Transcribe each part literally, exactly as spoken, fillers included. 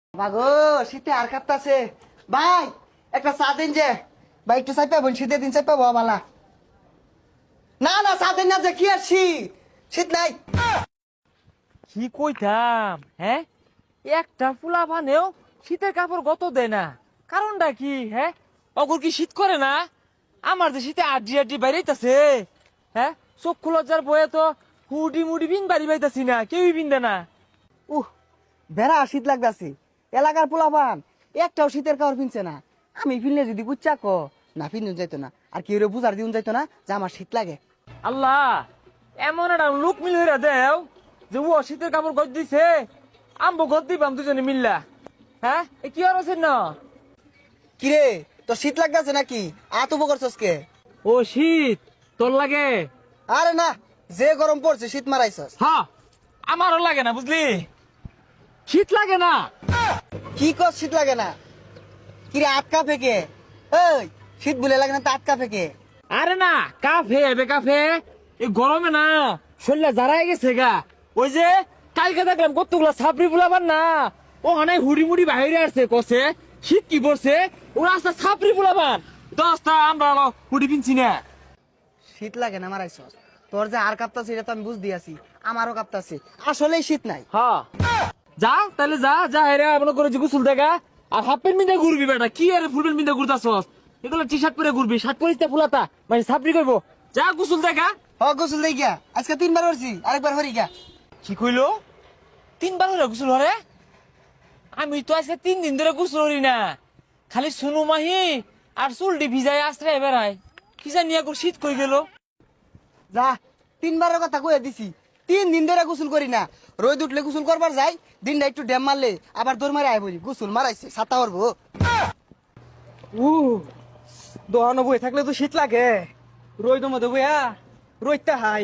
বাগো শীতে আর কাঁপতাছে ভাই, একটা চা দিন যে ভাই, একটু চাই পাবো শীতে দিন চাই পাবো বালা। না না চা দিন না যে কি আর শীত শীত নাই। কি কইতাম হ্যাঁ, একটা ফুলা বানেও শীতের কাপড় গত দেয় না, কারণটা কি? হ্যাঁ, অগর কি শীত করে না? আমার যে শীতে আড্ডি আড্ডি বাইরেইতাছে। হ্যাঁ, চক্ষু লজ্জার বয়ে তো হুডি মুডি বিন বাড়ি বাইতাছি না, কেউই বিন্দে না। উহ বেড়া শীত লাগতাছে, এলাকার পোলাপান একটাও শীতের কাপড় পিনছে না। আমি পিনলে যদি বুচ্চা ক না পিনুন যাইতো না, আর কেউ বুঝার দিন যাইতো না যে আমার শীত লাগে। আল্লাহ, এমন একটা লোক মিল হইরা দেও যে ও শীতের কাপড় গজ দিছে, আম্বো গদ দিবাম দুজনে মিল্লা। হ্যাঁ, এ কি আর আছে না? কিরে তোর শীত লাগতাছে নাকি? আত উপর করছস কে? ও শীত তোর লাগে? আরে না, যে গরম পড়ছে শীত মারাইছস। হ্যাঁ, আমারও লাগে না, বুঝলি? শীত লাগে না। কি কর শীত লাগে না? কিরে আটকা ফেকে? এই শীত বলে লাগে না, তা আটকা ফেকে? আরে না, কাফে বে কাফে, এই গরমে না শরীরে জারাই গেছে গা। ওই যে কালকে দেখলাম কতগুলা ছাপড়ি বুলাবার না, ও অনেক হুড়ি মুড়ি বাইরে আসছে, কষে শীত কি পড়ছে, ওরা আসতে ছাপড়ি বুলাবার দশটা আমরা হুড়ি পিনছি না। শীত লাগে না মারাইছস? তোর যে আর কাঁপতাছে এটা তো আমি বুঝ দিয়াছি, আমারও কাঁপতাছে। আসলেই শীত নাই। হ্যাঁ, যা তাহলে যা যা হেরে মনে করে যে গোসল দেখা, আর হাফ প্যান্ট মিন্দে ঘুরবি বেটা, কি আর ফুল প্যান্ট মিন্দে ঘুরতাছস? এগুলো টি শার্ট পরে ঘুরবি, শার্ট পরিস ফুলাতা মানে ছাপড়ি করবো। যা গোসল দেখা। হ গোসল দেই গিয়া, আজকে তিনবার করছি, আরেকবার হরি গিয়া। কি কইলো? তিনবার হলে গোসল হরে? আমি তো আজকে তিন দিন ধরে গোসল হরি না, খালি সুনু মাহি আর চুলটি ভিজাই আশ্রয় বেড়াই। কি জানি এখন শীত কই গেল। যা, তিনবারের কথা কয়ে দিছি, তিন দিন ধরে গোসল করি না। রোদ উঠলে গোসল করবার যাই, দিনটা একটু ড্যাম মারলে আবার দৌড় মারে আয় বলি গোসল মারাইছে ছাতা করবো। উ দোহানো বই থাকলে তো শীত লাগে, রই দমে দেবো রইতে হাই।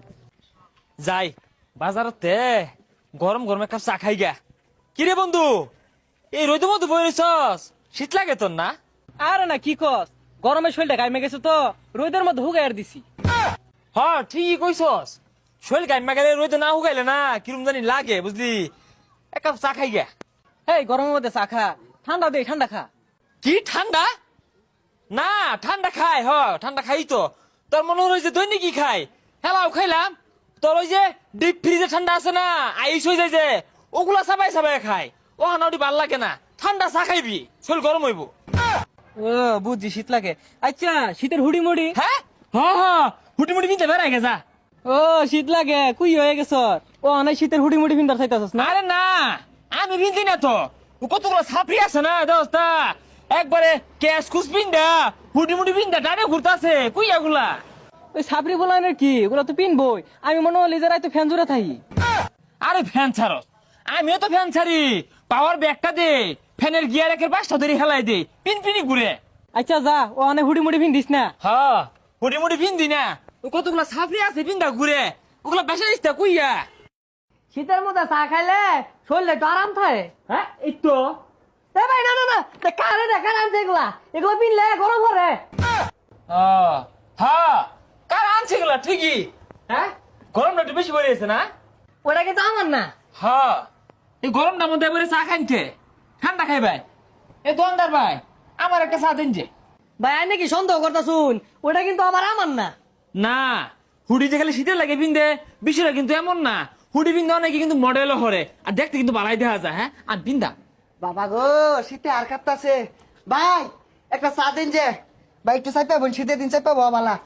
যাই বাজারতে গরম গরম এক কাপ চা খাই গা। কিরে বন্ধু, এই রোদের মধ্যে বই রইছস, শীত লাগে তোর না? আরে না কি কস, গরমের শরীরটা গাইমে গেছে তো রোদের মধ্যে হুগাই দিছি। হ ঠিকই কইছস, শরীর গাইমা গেলে রোদে না হুগাইলে না কিরম জানি লাগে, বুঝলি? এক কাপ চা খাই গা। এই গরমের মধ্যে চা খা, ঠান্ডা দে ঠান্ডা খা। কি ঠান্ডা? না ঠান্ডা খাই, হ ঠান্ডা খাই তো। তোর মনে হয়েছে দৈনিক কি খাই? হেলাও খাইলাম। তোর ওই যে ডিপ ফ্রিজে ঠান্ডা আছে না, আইস হয়ে যায় যে, ওগুলা সাবাই সাবাই খাই। ও হানাউটি ভাল লাগে না, ঠান্ডা চা খাইবি, শরীর গরম হইব। ও বুঝছি শীত লাগে। আচ্ছা শীতের হুড়ি মুড়ি? হ্যাঁ হ্যাঁ হ্যাঁ, হুটি মুটি কিনতে বেড়াই গেছা। ও শীত লাগে কুই হয়ে গেছ, ও অনেক শীতের হুড়ি মুড়ি ভিন্দার চাইতাছস না? আরে না, আমি বিনতি না তো, ও কতগুলো ছাপড়ি আছে না দোস্তা, একবারে ক্যাশ কুস বিন্দা হুটি মুটি বিন্দা ডানে ঘুরতাছে, কুই এগুলা? ওই সাবরি বলানের কি, ওগুলো তো পিনবই। আমি মনে হলি যে রাইতে ফ্যান জুড়ে থাকি। আরে ফ্যান ছাড়ো, আমিও তো ফ্যান ছাড়ি, পাওয়ার ব্যাগটা দে, ফ্যানের গিয়ার একের পাঁচটা ধরে হেলাই দে, পিন পিনি ঘুরে। আচ্ছা যা, ও অনেক হুড়ি মুড়ি ভিন্দিস না। হ্যাঁ হুটি মুটি বিন্দি না, ও কতগুলো ছাপড়ি আছে বিন্দা ঘুরে, ওগুলা বেসা দিস কুইয়া। শীতের মধ্যে চা খাইলে শরীরে একটু আরাম থাকে। হ্যাঁ এই তো। এ ভাই না না না, কারে দেখা আনছে এগুলা, এগুলো পিনলে গরম করে। ও হ্যাঁ, কার আনছে এগুলা ঠিকই। হ্যাঁ, গরমটা একটু বেশি পড়ে গেছে না? ওটা কিন্তু আমার না। হ্যাঁ, এই গরমটার মধ্যে এবারে চা খাইতে ঠান্ডা খাই ভাই। এ দোকানদার ভাই, আমার একটা চা দিন যে। ভাই আই নাকি সন্দেহ করতা শুন, ওটা কিন্তু আমার আমার না। না, হুডি যে খালি শীতের লাগে পিনতে, বিষয়টা কিন্তু এমন না। হুডি পিনতে অনেকে কিন্তু মডেলও হরে, আর দেখতে কিন্তু বালাই দেখা যায়। হ্যাঁ, আর পিন্দা বাবা গো শীতে আর কাঁপতাছে ভাই, একটা চা দিন যে ভাই, একটু চাই পাবো শীতের দিন চাই পাবো বালা।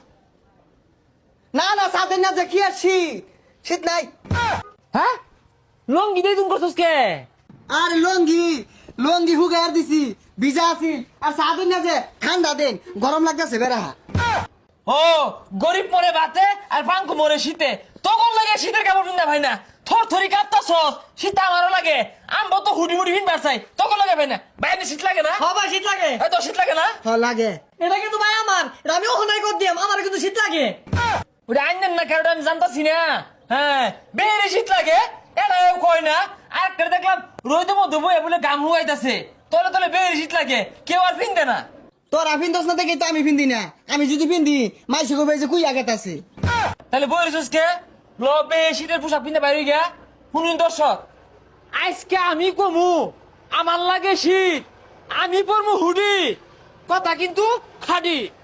না না চা দিন না যে কি আর শীত শীত নাই। হ্যাঁ, লঙ্গি দিয়ে তুমি করছস কে? আর লঙ্গি লঙ্গি হুগাই আর দিছি, ভিজা আছি। আর চা দিন না যে ঠান্ডা দিন, গরম লাগতেছে বেড়া। ও গরিব মরে বাতে আর পাঙ্কু মরে শীতে, তখন লাগে শীতের কাপড় পিন্দা ভাই না, থর থরি কাঁপতাছস, শীত আমারও লাগে। আমবো তো হুডি মুডি পিনবার চাই, তখন লাগে ভাই না। বাইরে শীত লাগে না? হ্যাঁ ভাই শীত লাগে। এই তো শীত লাগে না? হ লাগে। এটা কিন্তু ভাই আমার, এটা আমি ওখানে কর দিয়াম, আমার কিন্তু শীত লাগে। ওটা আইনেন না কারোটা আমি জানতাছি না। হ্যাঁ, বেড়ে শীত লাগে, এটাও কয় না। আর একটা দেখলাম রোদের মধ্যে বয়ে বলে গাম হুয়াইতাছে, তলে তলে বেড়ে শীত লাগে, কেউ আর পিনতে না। তোরা পিন্দস না দেখি তো আমি পিন্দি না, আমি যদি পিন্দি মাইসে কবে যে কুই আঘাত আছে। তাহলে বইরেছিস কে? ল বে শীতের পোশাক পিনতে বাইরে গিয়া। শুনুন দর্শক, আজকে আমি কমু আমার লাগে শীত, আমি পরমু হুডি, কথা কিন্তু খাডি।